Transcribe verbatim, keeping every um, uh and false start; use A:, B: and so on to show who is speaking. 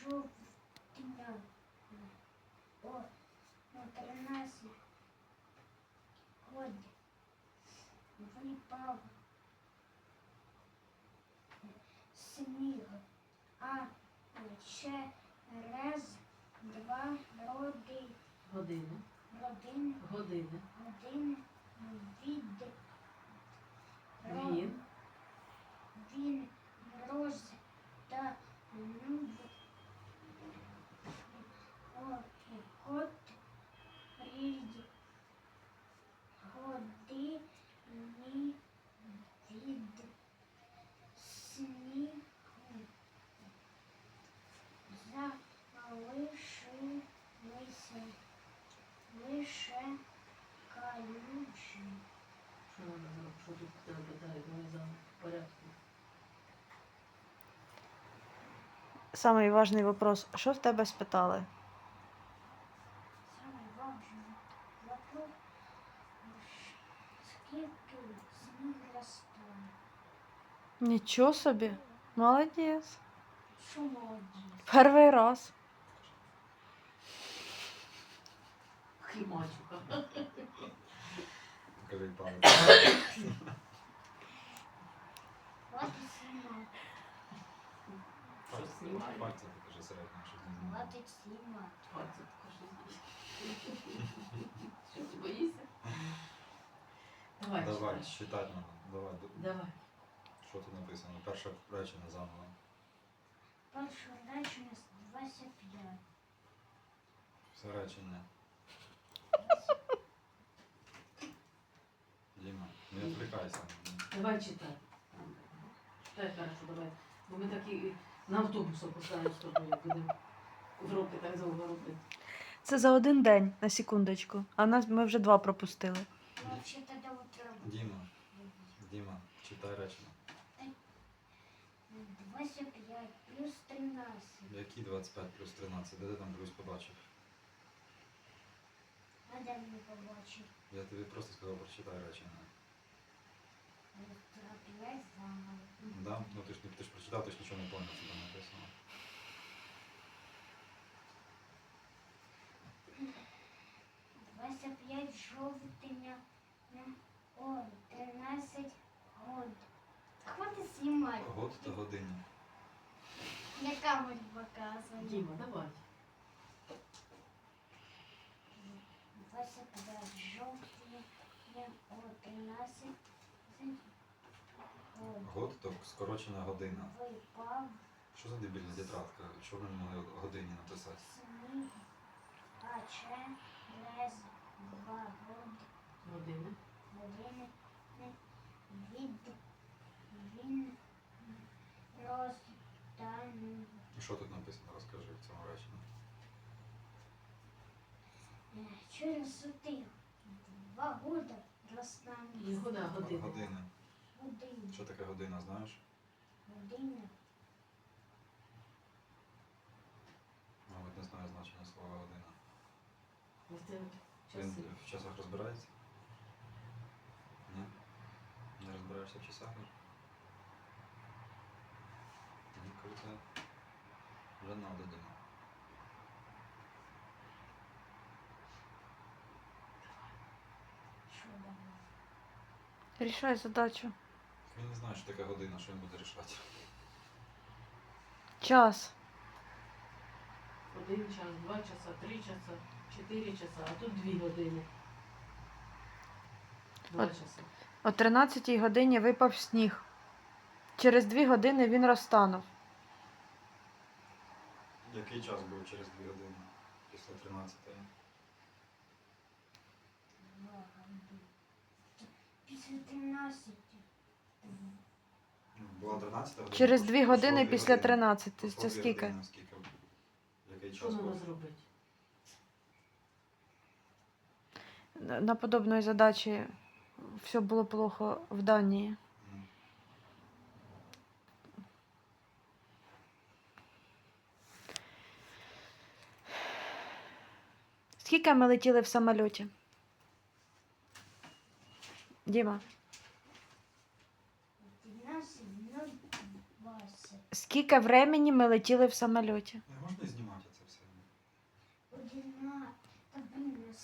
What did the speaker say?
A: жовтня о тринадцять год випав сніг, а через два роки
B: Години.
A: родин
B: Години.
A: один від
B: Він.
A: він розтанув год рід годині від снігу залишилися лише калюжі.
B: Що треба зробити? Що тут тебе питають? Вони за порядку.
C: Самий важний вопрос. Що в тебе спитали?
A: Самый важный вопрос, скільки сніг розтане?
C: Нічого собі. Молодець.
A: Що молодець?
C: Перший раз.
B: Хімачука.
D: Покажи палець.
A: Хватить знімати.
B: Що знімає?
D: Пальцем покажи середньо, щоб не знімати.
A: Хватить знімати.
B: Пальцем покажи. Що, ти боїшся? Давай,
D: Давай,
B: читай.
D: читати надо. Давай. д-
B: Давай.
D: Що тут написано? Перше речення заново.
A: Перше речення двадцять п'ять.
D: Все речення. Діма, не відвлікайся.
B: Давай читай. Читай хорошо, давай. Бо ми такі на автобус опускаємо з тобою, будемо в роки так довго робити.
C: Це за один день, на секундочку. А нас ми вже два пропустили.
A: Ну, взагалі тоді утро.
D: Діма, Діма, читай речення.
A: двадцять п'ять плюс тринадцять.
D: Які двадцять п'ять плюс тринадцять? Де ти там плюс побачив?
A: А де мені побачив?
D: Я тобі просто сказав, прочитай речення.
A: п'ять заново.
D: Да? Ну ти ж, не- ти ж прочитав, ти ж нічого не пам'ятаєш, що там написано.
A: двадцять п'ять жовтня о тринадцять год. Хватить знімати.
D: Год та годині.
A: Я камеру показую.
B: Діма, давай.
A: двадцять п'ять жовтня о тринадцять год.
D: Год то скорочена година.
A: Випав
D: Що за дебільна тетрадка? Що вони могли годині написати?
A: сніг, а через два год
B: Години.
A: години від він розтанув.
D: Що тут написано? Розкажи в цьому реченні.
A: Через тих два года розтанув.
B: Не года, а години.
D: Години.
A: Година.
D: Що таке година, знаєш?
A: Година.
D: Мабуть, не знаю значення слова година.
B: Ось це от
D: Він
B: часи.
D: в часах розбирається? Ні? Не розбираєшся в часах? Мені кажеться, вже надо, Діма.
A: Що давай?
C: Рішай задачу.
D: Він не знає, що таке година, що він буде рішати.
C: Час.
B: Один час, два часа, три часа, чотири часа, а тут дві години. Два
C: От.
B: часа.
C: О тринадцятій годині випав сніг. Через дві години він розтанув.
D: Який час був через дві години після тринадцятої?
A: Два года. Після тринадцяти.
D: Була тринадцята година?
C: Через
D: пройшло-
C: дві години
D: пройшло дві
C: після
D: години.
C: тринадцяти.
D: Пройшло
C: Це
D: дві
C: скільки?
D: години, скільки? Який
B: Що
D: час
B: треба
D: був?
B: зробити?
C: На на подобної задачі все було плохо в Данії.
D: М.
C: Скільки ми летіли в самольоті? Діма,
A: тринадцять, ну, двадцять.
C: скільки скільки времени ми летіли в самольоті?
D: Не можна знімати це все?
A: Одина. Та блін,